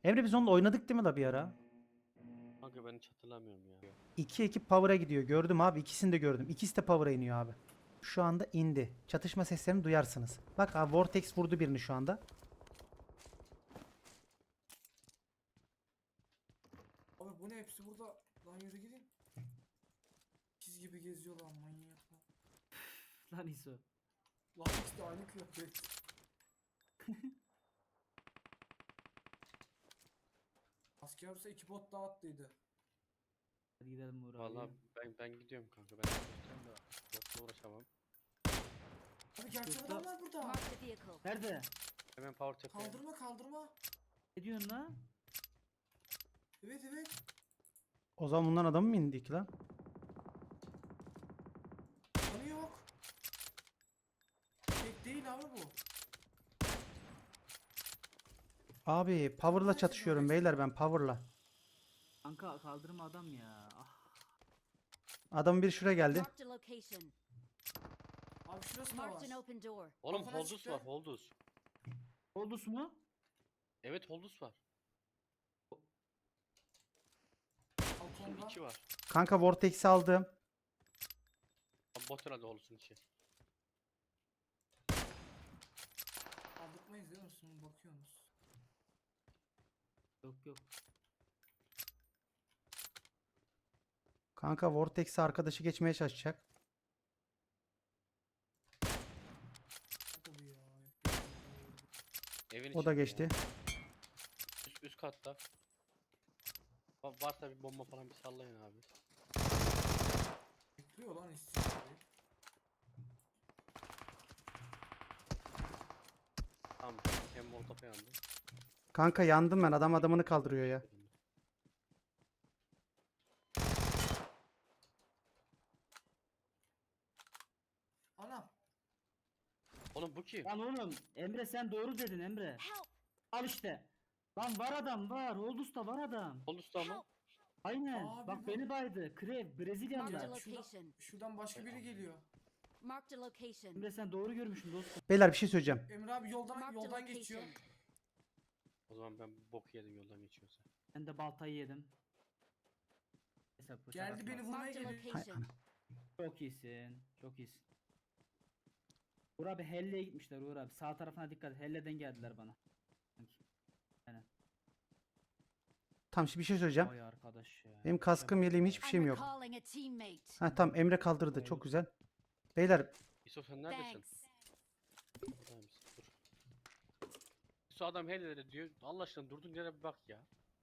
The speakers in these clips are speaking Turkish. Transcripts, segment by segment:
Emre biz onunla oynadık değil mi la bir ara? Kanka ben hiç hatırlamıyorum ya. İki ekip Power'a gidiyor. Gördüm abi. İkisini de gördüm. İkisi de Power'a iniyor abi. Şu anda indi. Çatışma seslerini duyarsınız. Bak abi Vortex vurdu birini şu anda. Abi bu ne, hepsi burada. Lan yürü gidin. Çiz gibi geziyorlar manyaklar. Lan İso. Lan işte aynı kıyafet. Asker olsa iki bot daha attıydı. Hadi gidelim Uğur Vallahi abi. ben gidiyorum kanka. Ben gideceğim de botla uğraşamam. Abi gerçek Yoksa- adamlar burada. Mark the vehicle. Nerede? Hemen power tepeye. Kaldırma kaldırma. Ne diyorsun lan? Evet evet. O zaman bundan adam mı indik lan? Kanı yok. Tek değil abi bu. Abi Power'la çatışıyorum beyler ben Power'la. Kanka kaldırma adam ya. Ah. Adam bir şuraya geldi. Marked a location. Abi şurası da Marked an var. open door. Oğlum Kafana Holdus çıktı. var Holdus. Oldus mu? Evet Holdus var. Holdus'un Balkonda. içi var. Kanka Vortex'i aldım. Abi bot herhalde Holdus'un içi. Aldırtmayız değil mi? Sonra bakıyorsunuz. Yok yok. Kanka Vortex'i arkadaşı geçmeye çalışacak. Hadi bu ya. Evin O da içinde geçti. ya. Üst katta. Varsa bir bomba falan bir sallayın abi. Bekliyor lan istikbali. Tamam. Hem molotof yandı. Kanka yandım ben. Adam adamını kaldırıyor ya. Anam. Oğlum bu kim? Lan oğlum Emre sen doğru dedin Emre. Help! Al işte. Lan var adam var. Oldus'ta var adam. Holdus'ta mı? Help! Aynen. Abi Bak bu- beni baydı. Krev Marked a Brezilyalılar. location. Şuradan başka biri geliyor. Marked a location. Emre sen doğru görmüşsün dostum. Beyler bir şey söyleyeceğim. Emre abi yoldan Marked a yoldan geçiyor. location. O zaman ben bok yedim yoldan geçiyorsa. Ben de baltayı yedim. Neyse, bıçak Geldi atma. beni vurmaya Marked a geliyor. Hay location. Çok iyisin. Çok iyisin. Uğur abi Helle'ye gitmişler Uğur abi. Sağ tarafına dikkat et. Helle'den geldiler bana. Sanki. Tamam şimdi bir şey söyleyeceğim. Vay arkadaş ya. Benim kaskım yeleğim hiçbir I'm şeyim yok. recalling a teammate. Ha tamam Emre kaldırdı. Çok güzel. Beyler İso sen neredesin? Thanks. Buradaymış, dur. İso adam helleri diyor. Allah aşkına durdun yere bir bak ya.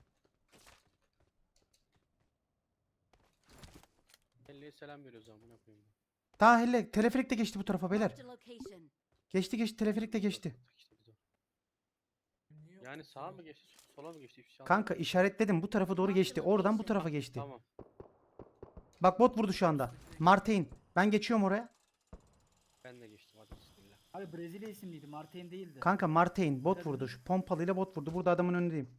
Helleye selam veriyoruz amına koyayım. daha hele teleferik de geçti bu tarafa beyler. Marked a location. Geçti geçti teleferik de geçti. İşte biz o. Niye yok Yani bu sağa kadar? mı geçti, sola mı geçti? Hiçbir şey Kanka işaretledim bu tarafa doğru geçti. Oradan bu tarafa geçti. Tamam. Bak bot vurdu şu anda. Martin. Ben geçiyorum oraya. Ben de geçtim hadi bismillah. Abi Brezilya isimliydi. Martin değildi. Kanka Martin bot vurdu. Şu pompalıyla bot vurdu. Burada adamın önündeyim.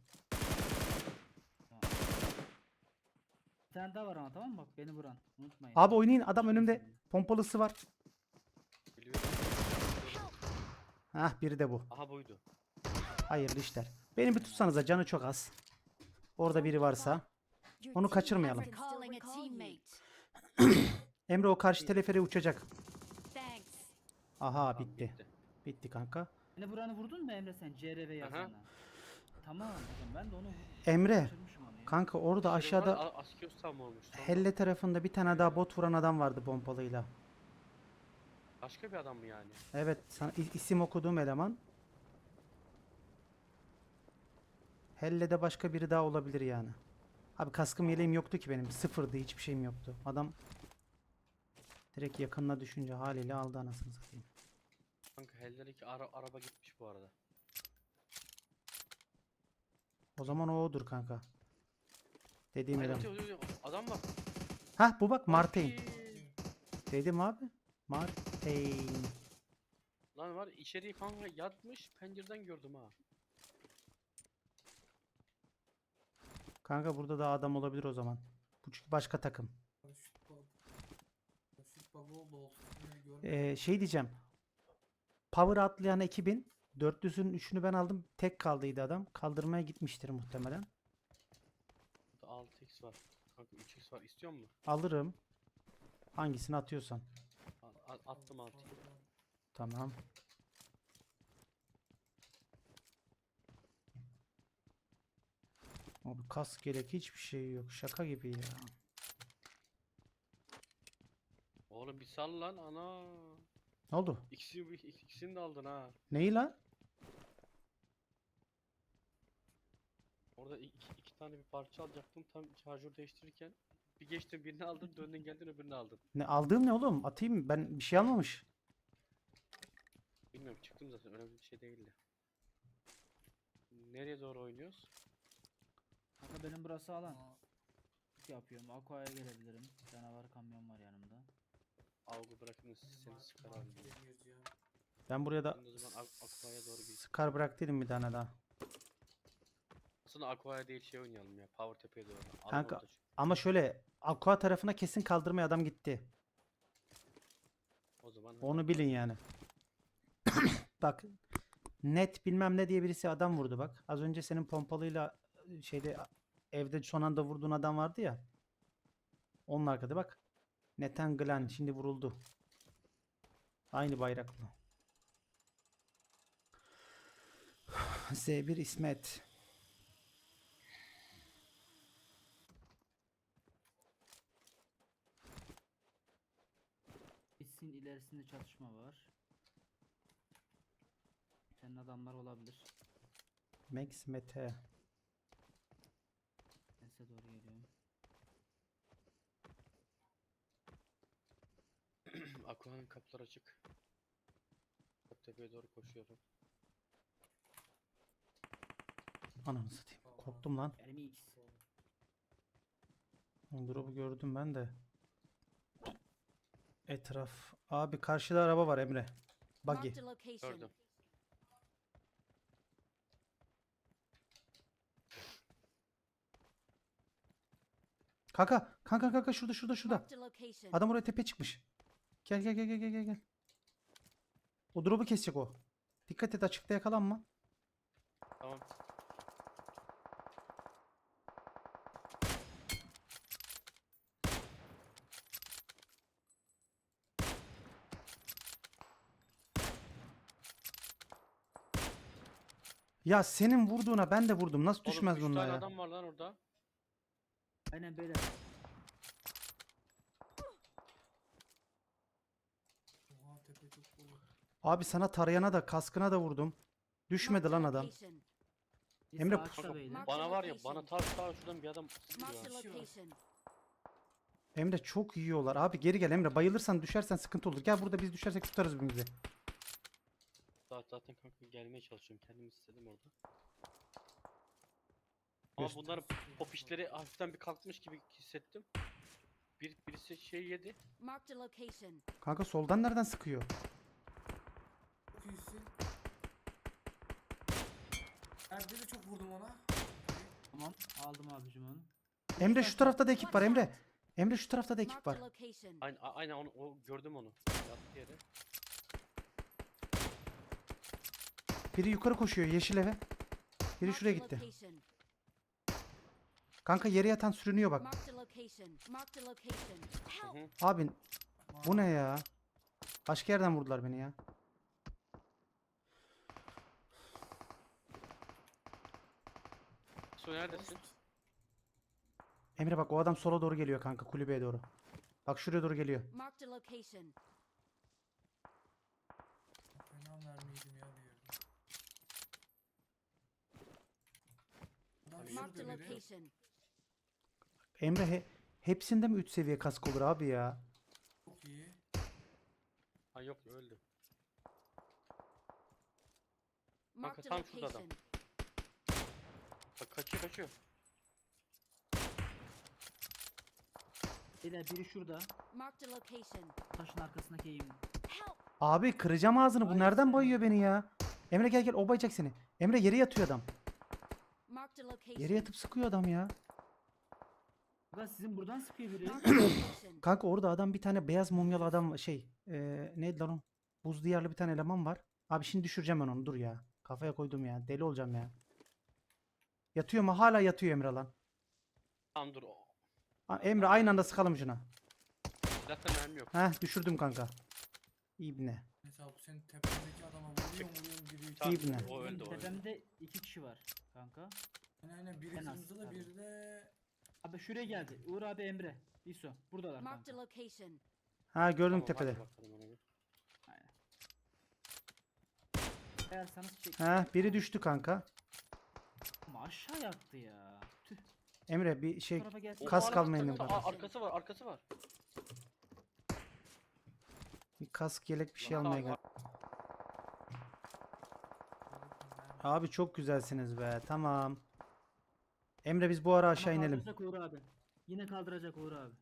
Bir tane daha var ama tamam mı? Bak beni vuran. Unutmayın. Abi oynayın adam önümde. Pompalısı var. Biliyorum. Hah biri de bu. Aha buydu. Hayırlı işler. Beni bir tutsanıza canı çok az. Orada biri varsa. Your Onu team kaçırmayalım. has recalling a teammate. Emre o karşı teleferiğe uçacak. Thanks. Aha Tamam, bitti. Bitti kanka. Beni vuranı vurdun mu Emre sen? CRV yazana. Tamam hocam ben de onu Emre. kaçırmışım onu ya. Kanka orada aşağıda Askios tam olmuş. Sonra Helle tarafında bir tane daha bot vuran adam vardı pompalıyla. başka bir adam mı yani? Evet sana isim okuduğum eleman. Helle'de başka biri daha olabilir yani. Abi kaskım yeleğim yoktu ki benim. Sıfırdı hiçbir şeyim yoktu. Adam direkt yakınına düşünce haliyle aldı anasını satayım. Kanka hellerdeki araba gitmiş bu arada. O zaman o odur kanka. Dediğim Ay, eleman. ötüyor. Adam bak. Hah bu bak Martin. Ay. Dedim abi. Martin. Lan var içeriye kanka yatmış pencereden gördüm ha. Kanka burada da adam olabilir o zaman. Bu çünkü başka takım. Şut bug. Şut bug oldu olsun. Görmedim. Şey diyeceğim. Power atlayan ekibin Dörtlüsünün üçünü ben aldım. Tek kaldıydı adam. Kaldırmaya gitmiştir muhtemelen. Burada 6x var. Kanka 3x var. İstiyor musun? Alırım. Hangisini atıyorsan. Attım 6'yı. Tamam. Abi kask gerek hiçbir şey yok. Şaka gibi ya. Oğlum bir sal lan ana. Ne oldu? İkisini de aldın ha. Neyi lan? Orada iki tane bir parça alacaktım. Tam şarjör değiştirirken bir geçtin birini aldın, döndün geldin öbürünü aldın. Ne aldığım ne oğlum? Atayım mı? Ben bir şey almamış. Bilmiyorum, çıktım zaten, önemli bir şey değildi. Nereye doğru oynuyoruz? Kanka benim burası alan. Aa, Yapıyorum. Aqua'ya gelebilirim. Canavar kamyon var yanımda. Algı bırakın seni sıkar abi. markete giriyoruz ya. Ben buraya da Ben de o zaman Aqua'ya doğru bir... Scar bıraktıydım bir tane daha. Aslında Aqua'ya değil şey oynayalım ya. Power Tepe'ye doğru. Alan Kanka, orada çünkü. ama şöyle Aqua tarafına kesin kaldırmaya adam gitti. O zaman Onu bilin yani. Bak net bilmem ne diye birisi adam vurdu bak. Az önce senin pompalıyla şeyde evde son anda vurduğun adam vardı ya. Onun arkada bak. Nathan Glenn şimdi vuruldu. Aynı bayraklı. Z1 İsmet. Bitsin ilerisinde çatışma var. Senin adamlar olabilir. Max Mete. Ben size doğru geliyorum. Aqua'nın kapıları açık. Power Tepe'ye doğru koşuyorum. Ananı satayım. Korktum lan. RMX. Drop'u gördüm ben de. Etraf. Abi karşıda araba var Emre. Buggy. Marked a location. Gördüm. Kanka şurada. Marked a location. Adam oraya tepe çıkmış. Gel. O drop'u kesecek o. Dikkat et açıkta yakalanma. Tamam. Ya senin vurduğuna ben de vurdum. Nasıl Oğlum düşmez 3 bunlar tane ya? adam var lan orada. Aynen beyler. Oha tepe çok dolu. Abi sana tarayana da kaskına da vurdum. Düşmedi Marked a lan adam. location. Bir Emre, sağ açta Kanka, beyler. Mark- bana var ya, location. bana ta şuradan bir adam sıkıyor Marked a ya. location. Emre çok yiyorlar. Abi geri gel Emre. Bayılırsan düşersen sıkıntı olur. Gel burada biz düşersek tutarız birbirimizi. Zaten kanka gelmeye çalışıyorum. Kendimi istedim orada. Ama Göster. bunların pop işleri hafiften bir kalkmış gibi hissettim. Birisi şey yedi. Marked a location. Kanka soldan nereden sıkıyor? Çok iyisin. Erde de çok vurdum ona. Tamam. Aldım abicim onu. Emre şu tarafta da ekip var Emre. Emre şu tarafta da ekip Marked var. a location. Aynen o gördüm onu. Yattı yere. Biri yukarı koşuyor yeşil eve. Biri Marked şuraya a gitti. location. Kanka yere yatan sürünüyor bak. Marked a location. Marked a location. Hı Help. hı. Abi bu ne ya? Başka yerden vurdular beni ya. Su neredesin? Emre bak o adam sola doğru geliyor kanka kulübeye doğru. Bak şuraya doğru geliyor. Marked a location. Fena mermiydim ya bir yerde. Adam Marked a şurada biri. location. Emre hepsinde mi 3 seviye kask olur abi ya? Çok iyi. Ha yok, öldü. Marked a tam şurada adam. location. Bak kaçıyor. Beyler biri şurada. Marked a location. Taşın arkasındaki eğim. Help. Abi kıracağım ağzını bu Ay nereden sen. bayıyor beni ya? Emre gel o bayacak seni. Emre yere yatıyor adam. Marked a location. Yere yatıp sıkıyor adam ya. Ulan sizin buradan sıkıyor biri. Marked a location. Kanka orada adam bir tane beyaz mumyalı adam neydi lan o? Buz diyarlı bir tane eleman var. Abi şimdi düşüreceğim ben onu dur ya. Kafaya koydum ya. Deli olacağım ya. Yatıyor mu? Hala yatıyor Emre lan. Tamam dur. O. Emre aynı anda sıkalım şuna. Zaten mermi yok. Heh düşürdüm kanka. İbne. Mesela bu senin tepedeki adama vuruyorum giriyor. Tamam, İbne. o öldü Benim o öldü. tepemde 2 kişi var kanka. Aynen biri En az, kırmızıda tabii. biri de Abi şuraya geldi. Uğur abi, Emre. İso. Buradalar Marked a kanka. location. Ha gördüm Tamam, tepede. hadi bakalım ona bir. Aynen. Eğersanız çek. Ha biri düştü kanka. Ama aşağı yattı ya. Tüh. Emre bir şey Bu tarafa gelsin. O Kas araba kalmayın takıldı. kardeşim. Arkası var arkası var. bir kask yelek bir şey Tamam, almaya tamam. gel. Abi çok güzelsiniz be. Tamam. Emre biz bu ara aşağı Ama inelim. kaldıracak Uğur abi. Yine kaldıracak Uğur abi.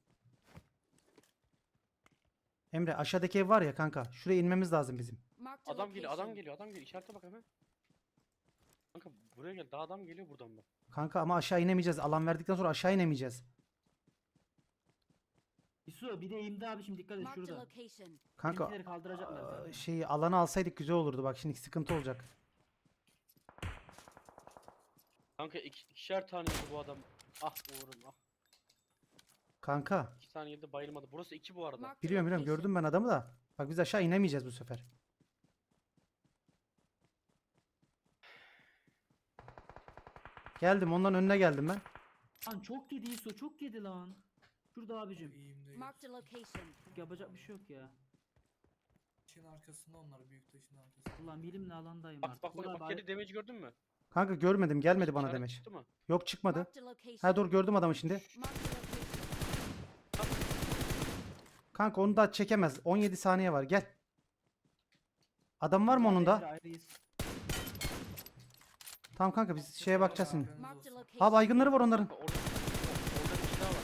Emre aşağıdaki ev var ya kanka. Şuraya inmemiz lazım bizim. Marked a Adam geliyor adam location. geliyor adam geliyor. İşarete bak hemen. Kanka buraya gel. Daha adam geliyor buradan bak. Kanka ama aşağı inemeyeceğiz. Alan verdikten sonra aşağı inemeyeceğiz. İso bir de eğimde abi, şimdi dikkat et Marked a şurada. location. Kanka Bizimkileri kaldıracaklar zaten. şeyi alanı alsaydık güzel olurdu. Bak şimdi sıkıntı olacak. Kanka ikişer tane yedi bu adam. Ah Uğur'um ah. Kanka 2 tane yedi bayılmadı. Burası 2 bu arada. Marked a biliyorum location. gördüm ben adamı da. Bak biz aşağı inemeyeceğiz bu sefer. Geldim ondan önüne geldim ben. Lan çok yedi İso, çok yedi lan. Şurada abicim. iyiyim değil. Marked a location. Yapacak bir şey yok ya. Taşın arkasında onlar büyük taşın arkasında. Ulan bilimle alandayım Bak artık. bak Uğur bak abi, bak yedi damage gördün mü? Kanka görmedim gelmedi bana İşaret demiş. çıktı mı? Yok çıkmadı. Marked a location. Ha dur gördüm adamı şimdi. Marked a location. Kanka onu da çekemez. 17 saniye var gel. Adam var mı onun Emre da? ayrıyız. Tamam kanka biz şeye bakacağız şimdi. Haberiniz Marked a olsun. location. Ha baygınları var onların. Kanka orada bir kişi daha var.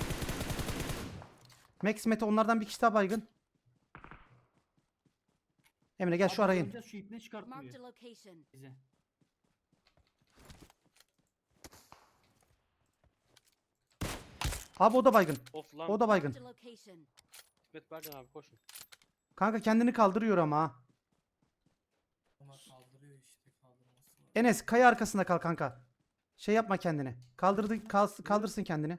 Max Mete onlardan bir kişi daha baygın. Emre gel şu Abi araya in. göreceğiz, şu ipne Marked çıkartmıyor a location. bize. Abi o da baygın. Of lan. O da baygın. Marked a location. İsmet Bercan abi koşun. Kanka kendini kaldırıyor ama ha. Ama kaldırıyor işte kaldırması var. Enes kaya arkasında kal kanka. Şey yapma kendini. Kaldırsın kendini.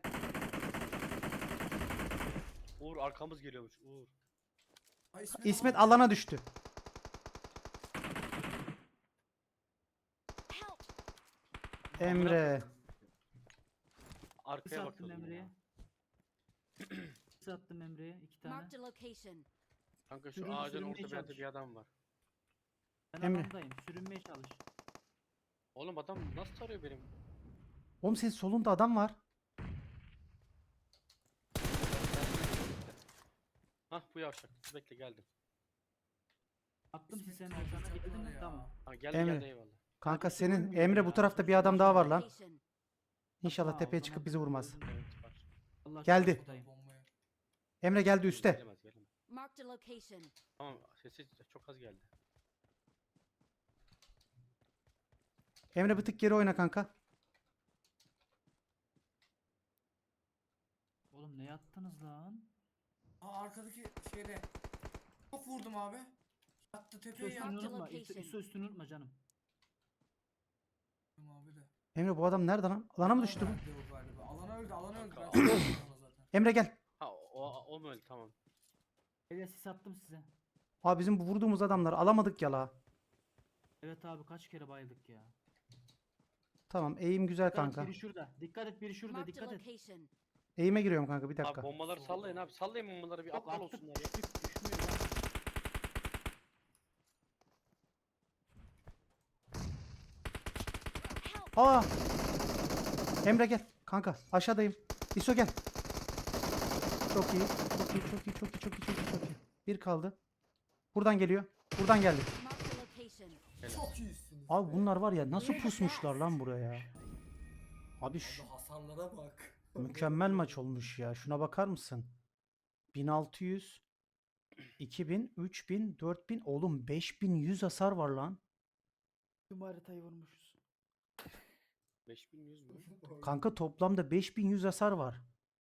Uğur arkamız geliyormuş. Uğur. Ay, İsmet alan- alana düştü. Help. Emre. Arkaya Kısa attım bakıyordum Emre'ye. ya. Kısa attım Emre'ye 2 tane. Marked a location. Kanka şu Sürün- ağacın sürünmeye orta bir yerde çalış. bir adam var. Ben Emre. alandayım. Sürünmeye çalış. Oğlum adam nasıl tarıyor benim? Oğlum senin solunda adam var. Hah bu yavşak. Bekle geldim. Attım İsmet size kaldıracaklar sana, geldin mi? ya. Tamam. Ha geldi Emre. geldi eyvallah. Kanka Kanka senin görmüyorum Emre ya. bu tarafta bir adam daha var lan. Location. İnşallah Aa, tepeye o çıkıp zaman bizi vurmaz. gördüm. Evet var. Allah Geldi. aşkına tutayım. Bombaya. Emre geldi üste. Gelemez gelemez. Marked a location. Tamam sesi çok az geldi. Emre bir tık geri oyna kanka. Oğlum ne yattınız lan? Aa arkadaki şeyde. Çok vurdum abi. Yattı İso tepeye üstünü yattım unutma. location. İso üstünü unutma canım. abi de. Emre bu adam nerede lan? Alana mı düştü bu? Alana öldü o galiba. Alana öldü alana öldü. Ben Kanka, söyledim ona zaten. Emre gel. Ha o mu öyle tamam. Hele sis attım size. Abi bizim bu vurduğumuz adamları alamadık ya la. Evet abi, kaç kere bayıldık ya. Tamam eğim güzel Dikkat et, kanka. biri şurada. Dikkat et, biri şurada. Marked a Dikkat et. location. Eğime giriyorum kanka bir Abi dakika. bombaları sallayın abi. Sallayın bombaları bir Yok, aptal attık, olsunlar ya. düşmüyor lan. Help. Aa! Emre gel. Kanka aşağıdayım. İso gel. Çok iyi. Çok iyi. Çok iyi. Çok iyi. Çok iyi. Çok iyi. Çok iyi. Bir kaldı. Buradan geliyor. Buradan geldi. Marked a location. Çok iyisiniz. Abi be. bunlar var ya nasıl pusmuşlar lan buraya. Abi Abi hasarlara bak. mükemmel maç olmuş ya. Şuna bakar mısın? 1600 2000 3000 4000 oğlum 5100 hasar var lan. Tüm haritayı vurmuşuz. 5100 mü? Kanka toplamda 5100 hasar var.